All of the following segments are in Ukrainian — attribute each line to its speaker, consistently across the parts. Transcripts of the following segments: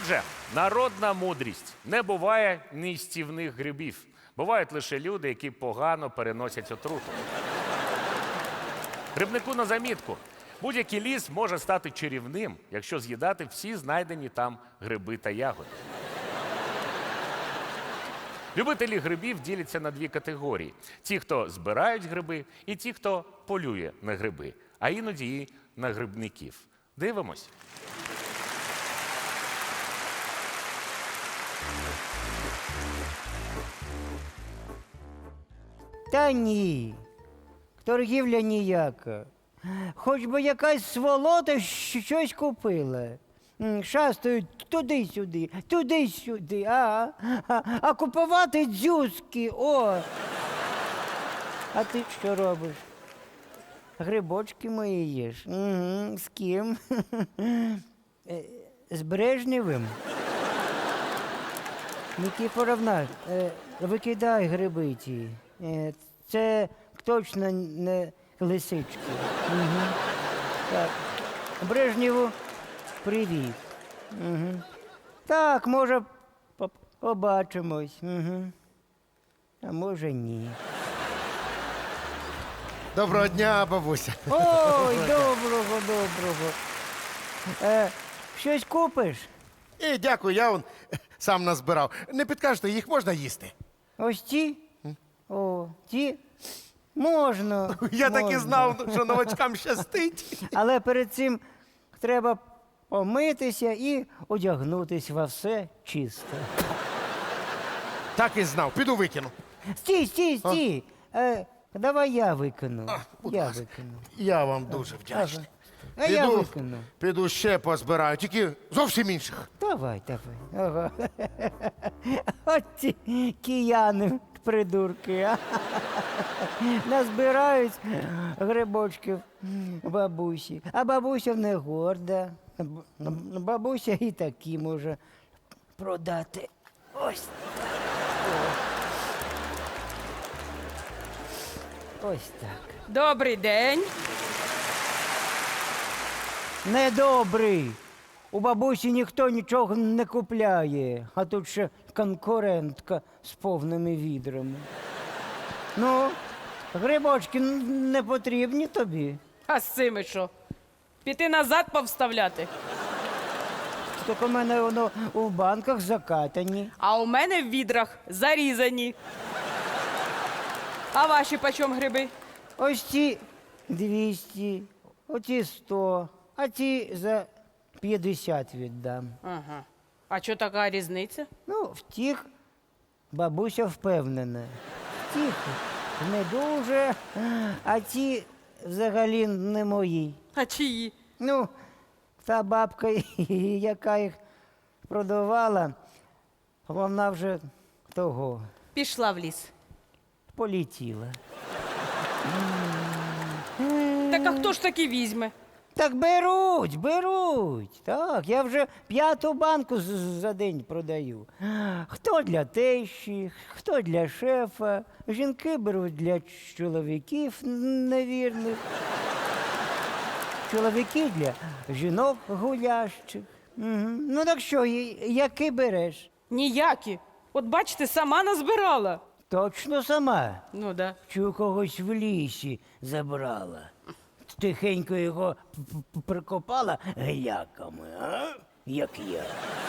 Speaker 1: Отже, народна мудрість. Не буває нестівних грибів. Бувають лише люди, які погано переносять отруту. Грибнику на замітку. Будь-який ліс може стати чарівним, якщо з'їдати всі знайдені там гриби та ягоди. Любителі грибів діляться на дві категорії. Ті, хто збирають гриби, і ті, хто полює на гриби, а іноді і на грибників. Дивимось.
Speaker 2: Та ні, торгівля ніяка. Хоч би якась сволота щось купила. Шастають туди-сюди, а купувати дзюзки, о! А ти що робиш? Грибочки мої їш? Угу. З ким? З Брежнєвим? Нікіфоровна, викидай гриби ті. Це точно не лисички. Угу. Так. Брежнєву привіт. Угу. Так, може, побачимось. Угу. А може ні.
Speaker 3: Доброго дня, бабуся.
Speaker 2: Ой, доброго. Щось купиш?
Speaker 3: І дякую, я сам назбирав. Не підкажете, їх можна їсти?
Speaker 2: Ось ті? О, ті? Можна.
Speaker 3: Я так і
Speaker 2: можна.
Speaker 3: знав, що новачкам щастить.
Speaker 2: Але перед цим треба помитися і одягнутись во все чисто.
Speaker 3: Так і знав. Піду викину.
Speaker 2: Стій. Давай я викину.
Speaker 3: Будь
Speaker 2: Я
Speaker 3: ласка.
Speaker 2: викину.
Speaker 3: Я вам дуже вдячний.
Speaker 2: А я викину.
Speaker 3: Піду ще позбираю, тільки зовсім інших.
Speaker 2: Давай. Ага. От ці кияни, придурки. Назбирають грибочків бабусі. А бабуся не горда. Бабуся і такі може продати. Ось так. Ось так.
Speaker 4: Добрий день.
Speaker 2: Недобрий. У бабусі ніхто нічого не купляє, а тут ще конкурентка з повними відрами. Ну, грибочки не потрібні тобі.
Speaker 4: А з цими що? Піти назад повставляти?
Speaker 2: Так у мене воно у банках закатані.
Speaker 4: А у мене в відрах зарізані. А ваші почем гриби?
Speaker 2: Ось ці 200, оці 100, а ці за 50 віддам.
Speaker 4: Ага. А чого така різниця?
Speaker 2: Ну, втіх, бабуся впевнена. Втіх не дуже, а ці взагалі не мої.
Speaker 4: А чиї?
Speaker 2: Ну, та бабка, яка їх продавала, вона вже того
Speaker 4: Пішла в ліс.
Speaker 2: полетіла.
Speaker 4: Так а хто ж таки візьме?
Speaker 2: Так беруть. Так, я вже 5-ту банку за день продаю. Хто для тещі, хто для шефа. Жінки беруть для чоловіків невірних. Чоловіки для жінок гулящих. Угу. Ну так що, який береш?
Speaker 4: Ніякі. От бачите, сама назбирала.
Speaker 2: Точно сама.
Speaker 4: Ну да.
Speaker 2: Чи у когось в лісі забрала? Тихенько його прикопала геляками, а? Як я.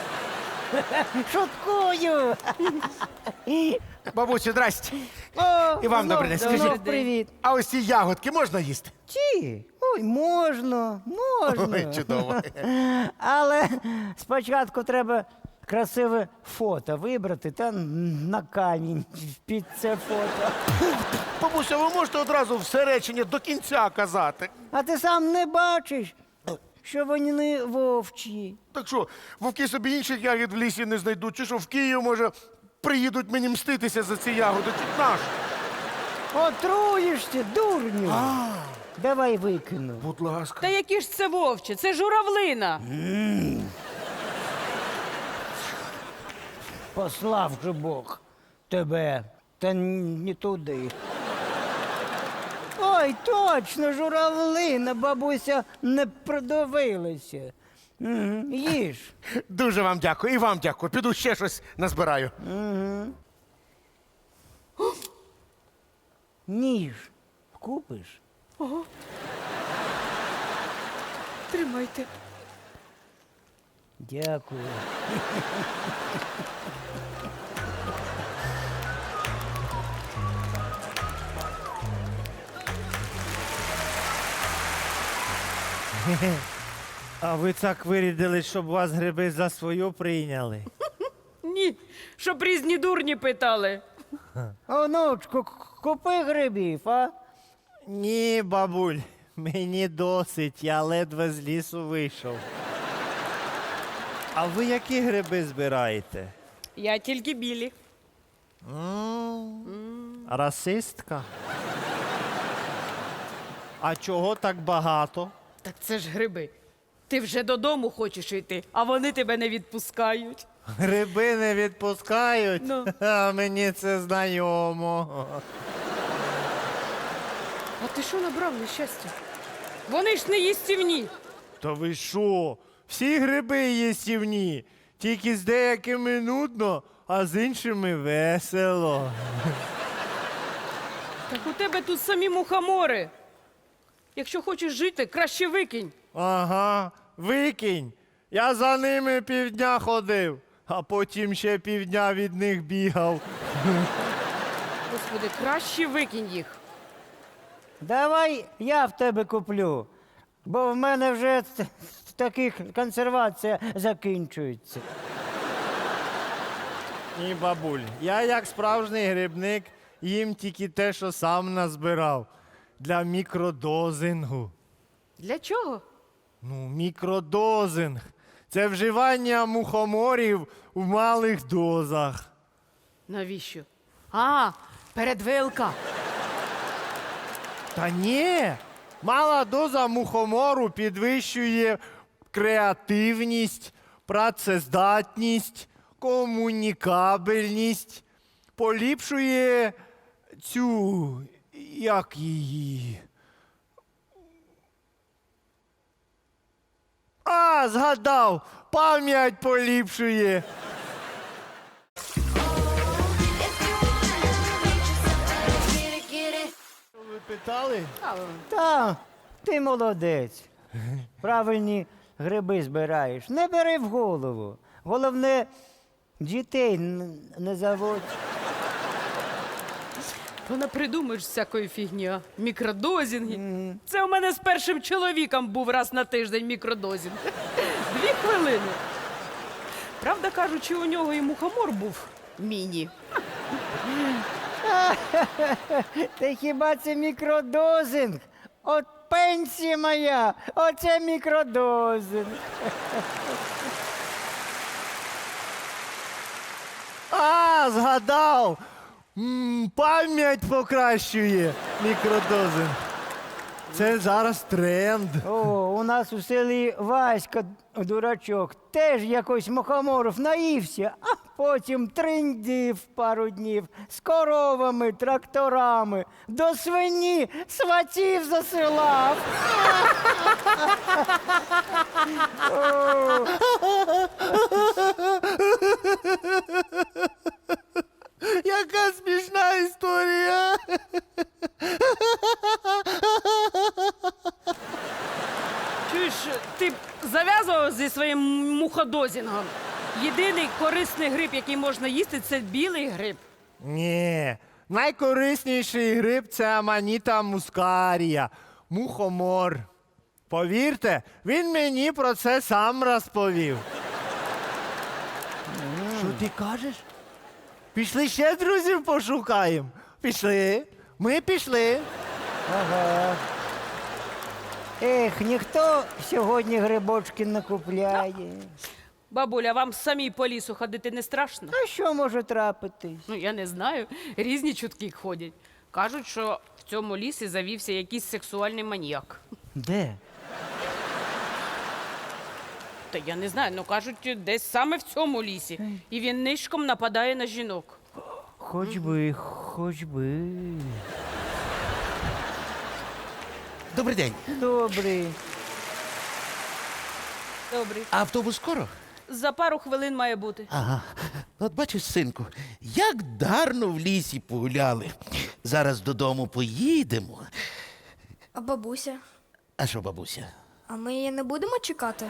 Speaker 2: Шуткую.
Speaker 3: Бабусю, здрасте.
Speaker 2: О,
Speaker 3: І вам добрий день.
Speaker 2: знов
Speaker 3: Скажіть,
Speaker 2: привіт.
Speaker 3: а ось ці ягодки можна їсти?
Speaker 2: Ті? Ой, можна.
Speaker 3: Ой, чудово.
Speaker 2: Але спочатку треба красиве фото вибрати та на камінь під це фото.
Speaker 3: Бабуся, ви можете одразу все речення до кінця казати?
Speaker 2: А ти сам не бачиш, що вони вовчі.
Speaker 3: Так що, вовки собі інших ягід в лісі не знайдуть, чи що в Київ, може, приїдуть мені мститися за ці ягоди, чи наш?
Speaker 2: Отруєшся, дурню. Давай викину.
Speaker 3: Будь ласка.
Speaker 4: Та які ж це вовче? Це журавлина.
Speaker 2: Послав же Бог тебе, та не туди. Ой, точно, журавлина, бабуся не продивилася. Їж.
Speaker 3: Дуже вам дякую. І вам дякую. Піду ще щось назбираю.
Speaker 2: Ніж. Купиш?
Speaker 4: Тримайте.
Speaker 2: Дякую.
Speaker 5: А ви так вирядили, щоб вас гриби за свою прийняли.
Speaker 4: Ні, щоб різні дурні питали.
Speaker 2: Онучку, купи грибів, а?
Speaker 5: Ні, бабуль, мені досить, я ледве з лісу вийшов. А ви які гриби збираєте?
Speaker 4: Я тільки білі.
Speaker 5: Расистка? А чого так багато?
Speaker 4: Так це ж гриби. Ти вже додому хочеш йти, а вони тебе не відпускають.
Speaker 5: Гриби не відпускають?
Speaker 4: Ну.
Speaker 5: А мені це знайомо.
Speaker 4: А ти що набрав нещастя? Вони ж не їстівні.
Speaker 5: Та ви що? Всі гриби їстівні, тільки з деякими нудно, а з іншими весело.
Speaker 4: Так у тебе тут самі мухомори. Якщо хочеш жити, краще викинь.
Speaker 5: Ага, викинь. Я за ними півдня ходив, а потім ще півдня від них бігав.
Speaker 4: Господи, краще викинь їх.
Speaker 2: Давай я в тебе куплю, бо в мене вже таких консервація закінчується.
Speaker 5: Ні, бабуль, я як справжній грибник їм тільки те, що сам назбирав. Для мікродозингу.
Speaker 4: Для чого?
Speaker 5: Ну, мікродозинг. Це вживання мухоморів в малих дозах.
Speaker 4: Навіщо? А, перед ВЛК.
Speaker 5: Та ні. Мала доза мухомору підвищує креативність, працездатність, комунікабельність, поліпшує цю, як її. А, згадав, пам'ять поліпшує. Ви питали?
Speaker 2: Та, ти молодець. Правильні гриби збираєш. Не бери в голову. Головне, дітей не заводь.
Speaker 4: Вона придумаєш всякої фігні, а? Мікродозінги. Це у мене з першим чоловіком був раз на тиждень мікродозінг. 2 хвилини. Правда кажучи, у нього і мухомор був міні.
Speaker 2: Та хіба це мікродозинг? От пенсія моя, оце мікродозинг.
Speaker 5: А, згадав! Пам'ять покращує мікродозинг. Це зараз тренд.
Speaker 2: О, у нас у селі Васька, дурачок, теж якось мухоморів наївся, а потім триндів пару днів з коровами, тракторами, до свині сватів засилав. О,
Speaker 5: Яка смішна історія.
Speaker 4: Чуєш, ти б зав'язував зі своїм муходозінгом? Єдиний корисний гриб, який можна їсти, це білий гриб.
Speaker 5: Ні, найкорисніший гриб це аманіта мускарія, мухомор. Повірте, він мені про це сам розповів. Що ти кажеш? Пішли ще друзів пошукаємо. Пішли. Ми пішли.
Speaker 2: ага. Ех, ніхто сьогодні грибочки не купляє.
Speaker 4: Бабуля, вам самій по лісу ходити не страшно?
Speaker 2: А що може трапитись?
Speaker 4: Ну, я не знаю. Різні чутки ходять. Кажуть, що в цьому лісі завівся якийсь сексуальний маніяк.
Speaker 2: Де?
Speaker 4: Та я не знаю, ну кажуть, десь саме в цьому лісі. І він нишком нападає на жінок.
Speaker 2: Хоч би, хоч би.
Speaker 6: Добрий день.
Speaker 2: Добрий.
Speaker 4: Добрий.
Speaker 6: А автобус скоро?
Speaker 4: За пару хвилин має бути.
Speaker 6: Ага. От бачиш, синку, як дарно в лісі погуляли. Зараз додому поїдемо.
Speaker 7: А бабуся?
Speaker 6: А що, бабуся?
Speaker 7: А ми її не будемо чекати?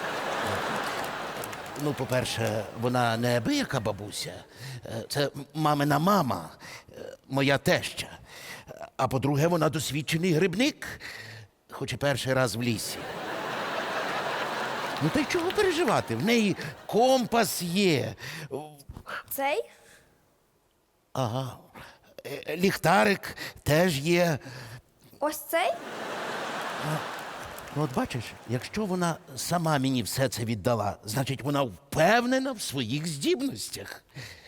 Speaker 6: Ну, по-перше, вона не абияка бабуся. Це мамина мама, моя теща. А по-друге, вона досвідчений грибник, хоч і перший раз в лісі. Ну, та й чого переживати? В неї компас є.
Speaker 7: Цей?
Speaker 6: Ага. Ліхтарик теж є.
Speaker 7: Ось цей?
Speaker 6: Ну, от бачиш, якщо вона сама мені все це віддала, значить вона впевнена в своїх здібностях.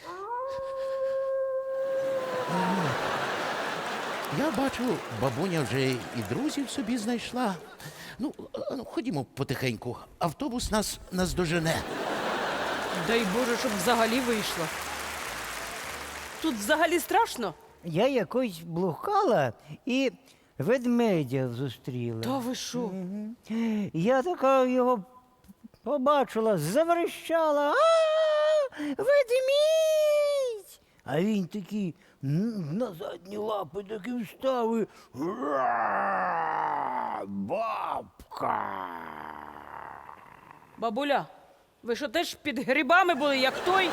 Speaker 6: Я бачу, бабуня вже і друзів собі знайшла. Ну, ходімо потихеньку. Автобус нас наздожене.
Speaker 4: Дай Боже, щоб взагалі вийшло. Тут взагалі страшно?
Speaker 2: Я якось блукала і ведмедя зустріла.
Speaker 4: Та ви що?
Speaker 2: Я така його побачила, заверещала. Ведмідь! А він такий на задні лапи таки встав і бабка.
Speaker 4: Бабуля, ви що теж під грибами були, як той?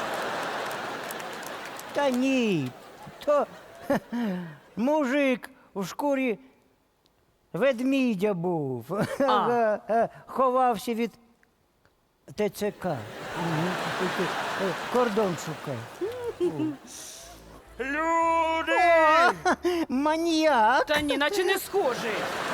Speaker 2: Та ні, то мужик у шкурі ведмідя був. Ховався від ТЦК. Кордон шукав.
Speaker 1: Люди!
Speaker 2: Маніяк!
Speaker 4: Та ні, наче не схожий.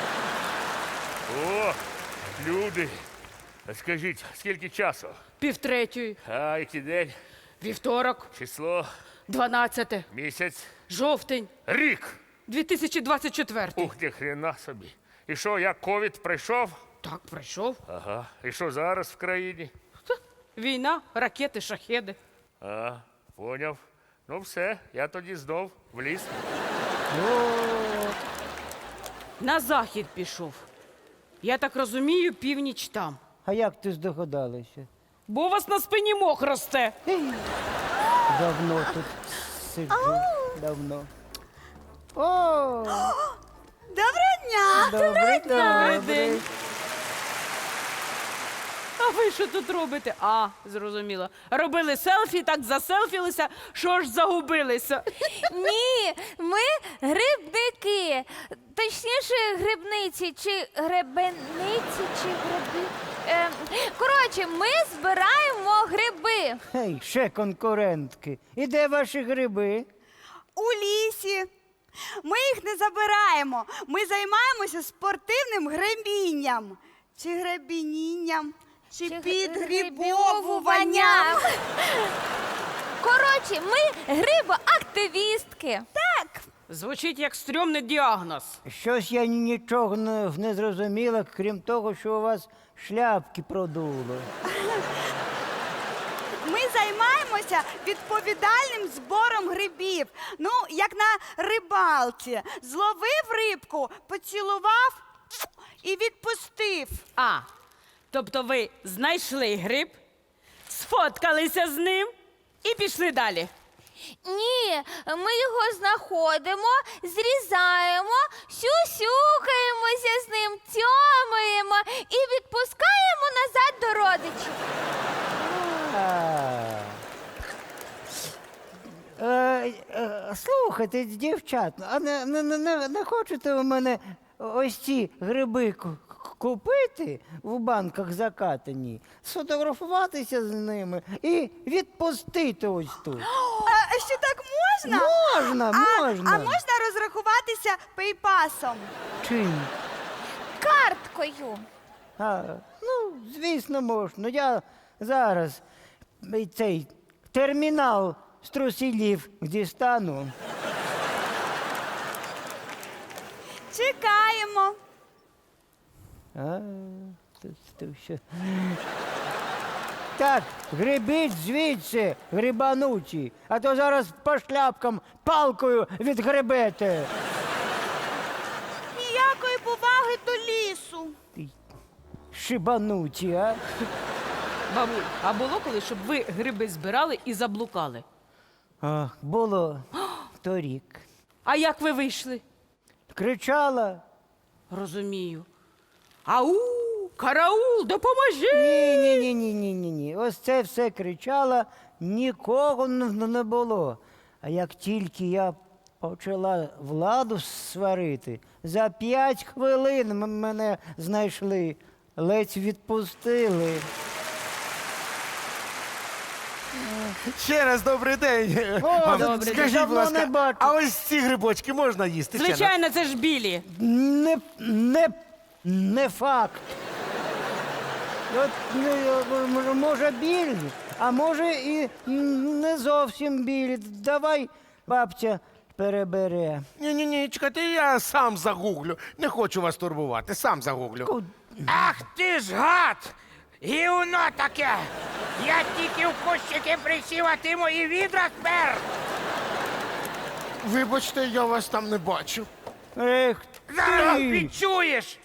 Speaker 1: О, люди! Скажіть, скільки часу?
Speaker 4: 2:30,
Speaker 1: А який день?
Speaker 4: вівторок,
Speaker 1: Число?
Speaker 4: 12,
Speaker 1: Місяць?
Speaker 4: жовтень,
Speaker 1: Рік!
Speaker 4: 2024.
Speaker 1: Ух, ти хрена собі. І що, як ковід прийшов?
Speaker 4: Так, прийшов.
Speaker 1: Ага. І що зараз в країні?
Speaker 4: Війна, ракети, шахеди.
Speaker 1: А, поняв. Ну все, я тоді знов в ліс.
Speaker 4: На захід пішов. Я так розумію, північ там.
Speaker 2: А як ти здогадалася?
Speaker 4: Бо у вас на спині мох росте.
Speaker 2: Давно тут сиджу. Давно. О!
Speaker 7: Доброго дня!
Speaker 2: Добрий
Speaker 4: Добрий
Speaker 2: добрий.
Speaker 4: день. А ви що тут робите? А, зрозуміло. Робили селфі, так заселфілися, що ж загубилися.
Speaker 8: Ні, ми грибники. Точніше, грибниці чи гребениці, чи гриби. Коротше, ми збираємо гриби.
Speaker 2: Гей, ще конкурентки. І де ваші гриби?
Speaker 9: У лісі. Ми їх не забираємо. Ми займаємося спортивним гребінням. Чи гребінінням, чи підгрібовуванням.
Speaker 8: Коротше, ми грибоактивістки.
Speaker 9: Так.
Speaker 4: Звучить як стрьомний діагноз.
Speaker 2: Щось я нічого не зрозуміла, крім того, що у вас шляпки продуло.
Speaker 9: Ми займаємося відповідальним збором грибів. Ну, як на рибалці. Зловив рибку, поцілував і відпустив.
Speaker 4: А, тобто ви знайшли гриб, сфоткалися з ним і пішли далі.
Speaker 8: Ні, ми його знаходимо, зрізаємо, сюсюкаємося з ним, тьомаємо і відпускаємо назад до родичів.
Speaker 2: Слухайте, дівчат, а не хочете у мене ось ці гриби купити в банках закатані, сфотографуватися з ними і відпустити ось тут?
Speaker 9: А що так можна?
Speaker 2: Можна, можна.
Speaker 9: А можна розрахуватися пейпасом?
Speaker 2: Чим?
Speaker 8: Карткою.
Speaker 2: Ну, звісно, можна. Я зараз цей термінал з трусілів дістану.
Speaker 9: Чекаємо.
Speaker 2: То що? Так, грибіть звідси, грибануті, а то зараз по шляпкам палкою відгребете.
Speaker 9: Ніякої поваги до лісу.
Speaker 2: шибануті, а?
Speaker 4: Бабуль, а було коли, щоб ви гриби збирали і заблукали?
Speaker 2: Було торік.
Speaker 4: А як ви вийшли?
Speaker 2: Кричала.
Speaker 4: Розумію. Ау, караул, допоможи!
Speaker 2: Ні. Ось це все кричала, нікого не було. А як тільки я почала владу сварити, за 5 хвилин мене знайшли, ледь відпустили.
Speaker 3: Ще раз добрий день.
Speaker 2: О,
Speaker 3: Вам
Speaker 2: добрий день.
Speaker 3: скажіть, будь
Speaker 2: Давно не
Speaker 3: ласка,
Speaker 2: бачу.
Speaker 3: а ось ці грибочки можна їсти? Ще раз?
Speaker 4: Звичайно, це ж білі.
Speaker 2: Не факт. От, може, білі, а може і не зовсім білі. Давай, бабця, перебере.
Speaker 3: Ні, чекайте, я сам загуглю. Не хочу вас турбувати, сам загуглю.
Speaker 1: Ах ти ж гад! Гівно таке! Я тільки в кущики присів, а ти мої відра спер!
Speaker 3: Вибачте, я вас там не бачу.
Speaker 2: Ех
Speaker 1: Зараз
Speaker 2: ти!
Speaker 1: відчуєш!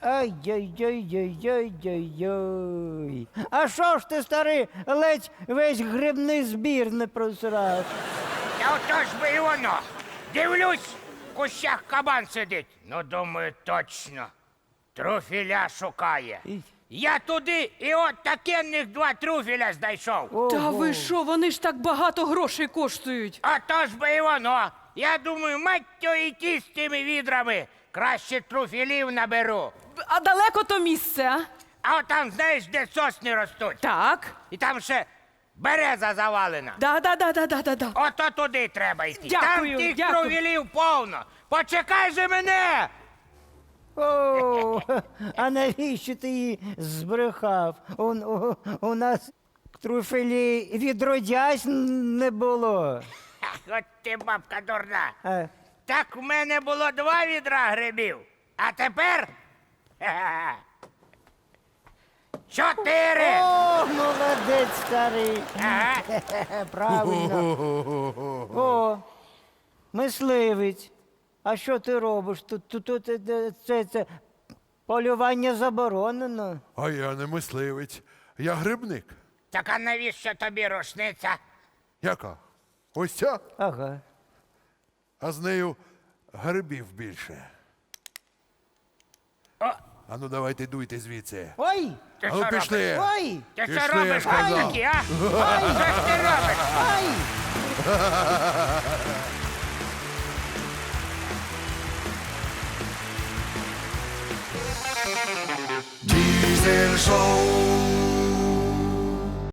Speaker 2: Ай-яй-яй-яй-яй-яй. А що ж ти, старий, ледь весь грибний збір не просрав?
Speaker 1: Та ото ж би і воно. Дивлюсь, в кущах кабан сидить. Ну, думаю, точно. Труфіля шукає. Я туди і от такенних 2 труфіля знайшов.
Speaker 4: Та ви що, вони ж так багато грошей коштують.
Speaker 1: Ото ж би і воно. Я думаю, маттю йти з тими відрами. Краще труфілів наберу.
Speaker 4: А далеко то місце, а?
Speaker 1: А от там, знаєш, де сосни ростуть.
Speaker 4: Так.
Speaker 1: І там ще береза завалена.
Speaker 4: Да.
Speaker 1: Ото туди треба йти.
Speaker 4: Дякую,
Speaker 1: Там тих
Speaker 4: дякую.
Speaker 1: труфілів повно. Почекай же мене!
Speaker 2: О, а навіщо ти її збрехав? У нас труфелі відродясь не було.
Speaker 1: Ах, от ти бабка дурна.
Speaker 2: А,
Speaker 1: Так в мене було 2 відра грибів. А тепер 4.
Speaker 2: О, молодець, старий.
Speaker 1: Ага.
Speaker 2: Правильно. О, мисливець. А що ти робиш? Тут це полювання заборонено.
Speaker 10: А я не мисливець, я грибник.
Speaker 1: Так а навіщо тобі рушниця?
Speaker 10: Яка? Ось ця,
Speaker 2: Ага.
Speaker 10: а з нею грибів більше. А ну давайте дуйте звідси.
Speaker 2: Ой!
Speaker 1: Ти
Speaker 10: А
Speaker 1: що
Speaker 10: ну
Speaker 1: робиш?
Speaker 10: пішли.
Speaker 2: Ой!
Speaker 1: Ти що
Speaker 10: Пішли,
Speaker 1: робиш,
Speaker 10: я сказав.
Speaker 1: такі, а? Що ж ти робиш?
Speaker 2: Ай!
Speaker 3: Дізель шоу